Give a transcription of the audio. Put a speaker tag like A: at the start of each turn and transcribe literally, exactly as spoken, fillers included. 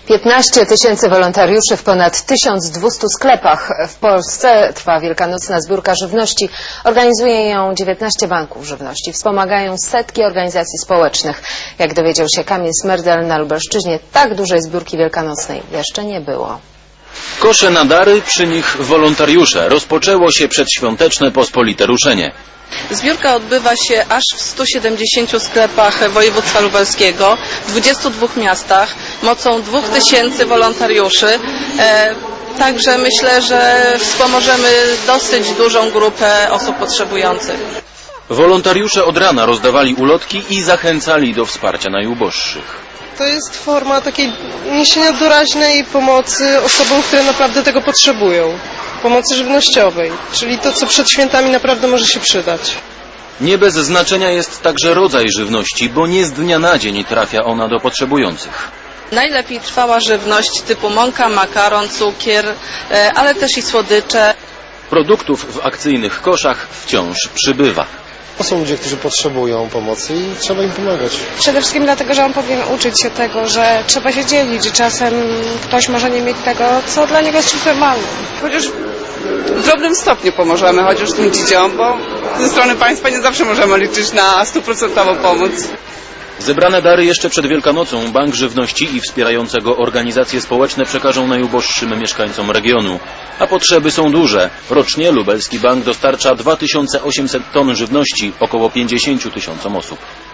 A: piętnaście tysięcy wolontariuszy w ponad tysiąc dwieście sklepach. W Polsce trwa wielkanocna zbiórka żywności. Organizuje ją dziewiętnaście banków żywności. Wspomagają setki organizacji społecznych. Jak dowiedział się Kamil Smerdel, na Lubelszczyźnie tak dużej zbiórki wielkanocnej jeszcze nie było.
B: Kosze na dary, przy nich wolontariusze. Rozpoczęło się przedświąteczne pospolite ruszenie.
C: Zbiórka odbywa się aż w stu siedemdziesięciu sklepach województwa lubelskiego, w dwudziestu dwóch miastach, mocą dwóch tysięcy wolontariuszy. E, także myślę, że wspomożemy dosyć dużą grupę osób potrzebujących.
B: Wolontariusze od rana rozdawali ulotki i zachęcali do wsparcia najuboższych.
D: To jest forma takiej niesienia doraźnej pomocy osobom, które naprawdę tego potrzebują. Pomocy żywnościowej, czyli to, co przed świętami naprawdę może się przydać.
B: Nie bez znaczenia jest także rodzaj żywności, bo nie z dnia na dzień trafia ona do potrzebujących.
C: Najlepiej trwała żywność typu mąka, makaron, cukier, ale też i słodycze.
B: Produktów w akcyjnych koszach wciąż przybywa.
E: To są ludzie, którzy potrzebują pomocy i trzeba im pomagać.
F: Przede wszystkim dlatego, że on powinien uczyć się tego, że trzeba się dzielić, że czasem ktoś może nie mieć tego, co dla niego jest czymś normalnym.
G: Chociaż w drobnym stopniu pomożemy, chociaż tym dzieciom, bo ze strony państwa nie zawsze możemy liczyć na stuprocentową pomoc.
B: Zebrane dary jeszcze przed Wielkanocą Bank Żywności i wspierające go organizacje społeczne przekażą najuboższym mieszkańcom regionu. A potrzeby są duże. Rocznie Lubelski Bank dostarcza dwa tysiące osiemset ton żywności około pięćdziesięciu tysiącom osób.